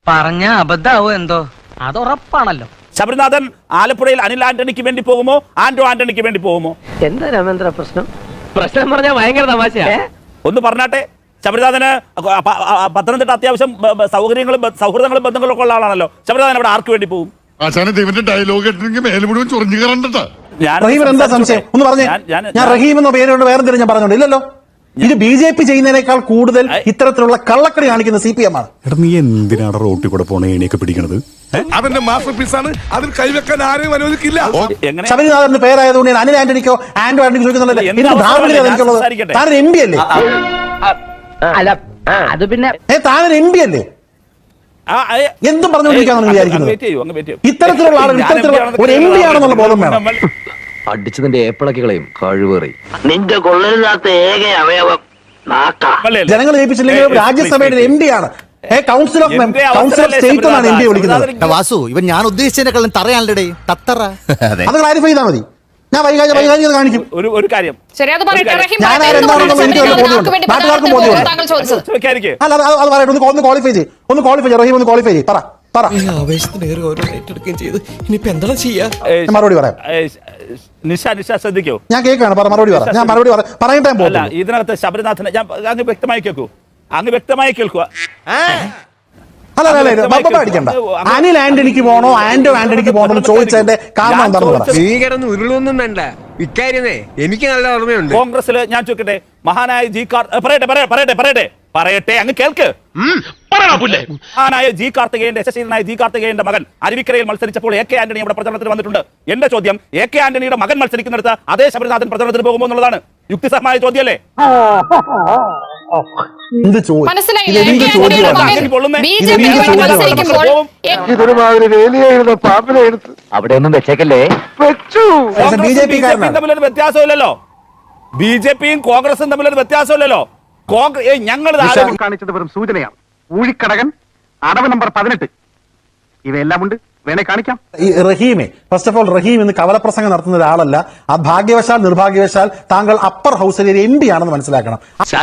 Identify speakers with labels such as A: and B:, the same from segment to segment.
A: പറഞ്ഞ അബദ്ധാവോ എന്തോ അത് ഉറപ്പാണല്ലോ.
B: ശബരിനാഥൻ ആലപ്പുഴയിൽ അനിൽ ആന്റണിക്ക് വേണ്ടി പോകുമോ, ആന്റോ ആന്റണിക്ക് വേണ്ടി പോകുമോ?
A: എന്താ രാമേന്ദ്ര പ്രശ്നം? പ്രശ്നം പറഞ്ഞാൽ ഭയങ്കര തമാശയാ.
B: ഒന്ന് പറഞ്ഞാട്ടെ. ശബരിനാഥന് പത്തനംതിട്ട അത്യാവശ്യം സൗകര്യങ്ങളും സൗഹൃദങ്ങളും ബന്ധങ്ങളും ഒക്കെ ഉള്ള ആളാണല്ലോ. ശബരിനാഥൻ അവിടെ ആർക്ക് വേണ്ടി പോകും?
C: ഡയലോഗ് മുഴുവൻ ചൊറിഞ്ഞു കയറണ്ട.
D: എന്താ സംശയം ഒന്ന് പറഞ്ഞേ. ഞാൻ റഹീം എന്ന പേരോട് വേറെ എന്തെങ്കിലും ഞാൻ പറഞ്ഞോണ്ട് ഇല്ലല്ലോ. ഇത് BJP ചെയ്യുന്നതിനേക്കാൾ കൂടുതൽ ഇത്തരത്തിലുള്ള കള്ളക്കടി കാണിക്കുന്ന CPM ആണ്.
E: നീ എന്തിനാണ് റോട്ടിൽ കൂടെ പോണ ഏണിയൊക്കെ പിടിക്കണത്?
C: അവന്റെ മാസ്റ്റർ പീസാണ്, അതിൽ കൈവെക്കാൻ ആരെയും അനുവദിക്കില്ല.
D: ശബരിനാഥന്റെ പേരായതുകൊണ്ട് ഞാൻ അനിൽ ആന്റണിക്കോ ആന്റോ ആന്റണിക്കോ ചോദിക്കുന്നുണ്ടല്ലോ. ധാർമ്മികത എനിക്കുള്ളത്. താനൊരു MP അല്ലേ?
A: അല്ല അത് പിന്നെ
D: താനൊരു MP അല്ലേ? എന്തും പറഞ്ഞുകൊണ്ടിരിക്കാന്ന് വിചാരിക്കുന്നത്. ഇത്തരത്തിലുള്ള ആളുകൾ ഇത്തരത്തിലുള്ള ഒരു MP ആണെന്നുള്ള ബോധം വേണം.
F: അടിച്ചതിന്റെ ഏപ്പിളക്കുകളെയും കഴിവേറി.
A: നിന്റെ കൊള്ളരുതാത്ത ഏക അവയവം
D: ജനങ്ങൾ ജയിപ്പിച്ചില്ലെങ്കിൽ രാജ്യസഭയുടെ MP ആണ്. കൗൺസിൽ ഓഫ് സ്റ്റേറ്റ് എന്നാണ് MP വിളിക്കുന്നത്.
G: വാസു, ഇവൻ ഞാൻ ഉദ്ദേശിച്ചതിനെക്കാളും തറയാണല്ലേ തത്തറ.
D: അത് ക്ലാരിഫൈ ചെയ്താൽ മതി. ഞാൻ വൈകാരികത കാണിക്കും.
B: ഒരു കാര്യം
D: അല്ല അത് പറയട്ടെ. ഒന്ന് ക്വാളിഫൈ ചെയ്യും. റഹീം ഒന്ന് ക്വാളിഫൈ ചെയ്യും. പറ മറുപടി പറയാം.
B: നിഷ ശ്രദ്ധിക്കോ,
D: ഞാൻ കേൾക്കാണ്. മറുപടി പറയാം. ഞാൻ മറുപടി പറയട്ടെ.
B: ഇതിനകത്ത് ശബരിനാഥനെ ഞാൻ അങ്ങ് വ്യക്തമായി കേൾക്കൂ. അങ്ങ് വ്യക്തമായി കേൾക്കുക.
D: അല്ല അടിക്കണ്ട. അനിൽ ആന്റണിക്ക് പോണോ ആന്റോ ആന്റണിക്ക് പോണോ ചോദിച്ചതിന്റെ കാരണം എന്താണെന്ന്
H: ഭീകരന്ന് ഉരുളൊന്നും വേണ്ട. ഇക്കാര്യമേ എനിക്ക് നല്ല ഓർമ്മയുണ്ട്.
B: കോൺഗ്രസില് ഞാൻ ചോദിക്കട്ടെ, മഹാനായ പറയട്ടെ അങ്ങ് കേൾക്ക്. മഹാനായ യശസ്വീനായ ജി കാർത്തികേയന്റെ മകൻ അരുവിക്കരയിൽ മത്സരിച്ചപ്പോൾ AK ആന്റണി അവിടെ പ്രചരണത്തിന് വന്നിട്ടുണ്ട്. എന്റെ ചോദ്യം, AK ആന്റണിയുടെ മകൻ മത്സരിക്കുന്നിടത്ത് അതേ ശബരിനാഥൻ പ്രചരണത്തിന് പോകുമോ എന്നുള്ളതാണ്. യുക്തിസഹമായ ചോദ്യമല്ലേ?
F: അവിടെ ഒന്നും വെച്ചേക്കല്ലേ.
B: തമ്മിലൊരു വ്യത്യാസമില്ലല്ലോ. BJPയും കോൺഗ്രസും തമ്മിലൊരു വ്യത്യാസമില്ലല്ലോ. ഞങ്ങൾ
I: കാണിച്ചത് വെറും സൂചനയാണ്. ഊഴിക്കടകൻ, അടവ് നമ്പർ 18 ഇവയെല്ലാം ഉണ്ട്. വേണേ കാണിക്കാം.
D: ഈ റഹീമെ ഫസ്റ്റ് ഓഫ് ഓൾ റഹീം ഇന്ന് കവലപ്രസംഗം നടത്തുന്ന ഒരാളല്ല. ആ ഭാഗ്യവശാൽ നിർഭാഗ്യവശാൽ താങ്കൾ അപ്പർ ഹൗസിലെ ഒരു MP ആണെന്ന് മനസ്സിലാക്കണം.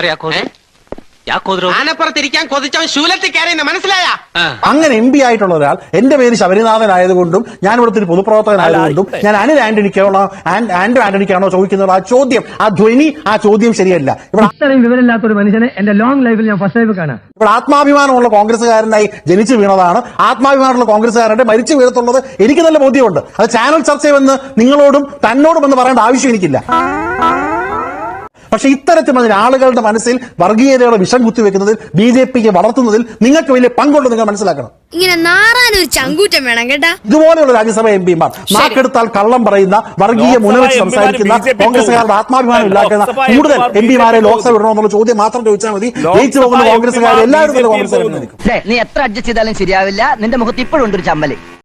D: അങ്ങനെ MP ആയിട്ടുള്ള ഒരാൾ എന്റെ പേര് ശബരിനാഥൻ ആയതുകൊണ്ടും ഞാൻ ഇവിടുത്തെ ഒരു പൊതുപ്രവർത്തകനായതുകൊണ്ടും ഞാൻ അനിൽ ആന്റണിക്കാണോ ആന്റോ ആന്റണിക്കാണോ ചോദിക്കുന്നത് ആ ചോദ്യം, ആ ധ്വനി, ആ ചോദ്യം ശരിയല്ല.
A: ഇവിടെ വിവരമില്ലാത്ത ഒരു മനുഷ്യനെ എന്റെ ലോങ് ലൈഫിൽ ഞാൻ ഫസ്റ്റ് ലൈഫ് കാണാം.
D: ഇവിടെ ആത്മാഭിമാനമുള്ള കോൺഗ്രസ്സുകാരനായി ജനിച്ചു വീണതാണ്. ആത്മാഭിമാനമുള്ള കോൺഗ്രസ്സുകാരന്റെ മരിച്ചു വീഴത്തുള്ളത് എനിക്ക് നല്ല ബോധ്യമുണ്ട്. അത് ചാനൽ ചർച്ചയെന്ന് നിങ്ങളോടും തന്നോടും എന്ന് പറയേണ്ട ആവശ്യം എനിക്കില്ല. പക്ഷെ ഇത്തരത്തിൽ ആളുകളുടെ മനസ്സിൽ വർഗീയതയുടെ വിഷം കുത്തിവെക്കുന്നതിൽ BJPക്ക് വളർത്തുന്നതിൽ നിങ്ങൾക്ക് വലിയ പങ്കുണ്ട്. നിങ്ങൾ മനസ്സിലാക്കണം.
J: ഇങ്ങനെ നാറാനൊരു ചങ്കൂറ്റം വേണം കേട്ടാ.
D: ഇതുപോലെയുള്ള രാജ്യസഭ MPമാർ നാക്കെടുത്താൽ കള്ളം പറയുന്ന വർഗീയ മുനവെച്ച് സംസാരിക്കുന്ന കോൺഗ്രസുകാരുടെ ആത്മാഭിമാനം ഇല്ലാക്കുന്ന കൂടുതൽ MPമാരെ ലോക്സഭ ഇടണമെന്നുള്ള ചോദ്യം മാത്രം ചോദിച്ചാൽ മതി. ജയിച്ചു പോകുന്ന കോൺഗ്രസുകാർ എല്ലാവരും
A: നീ എത്ര അഡ്ജസ്റ്റ് ചെയ്താലും ശരിയാവില്ല. നിന്റെ മുഖത്ത് ഇപ്പോഴും ഉണ്ട് ഒരു ചമ്മല്.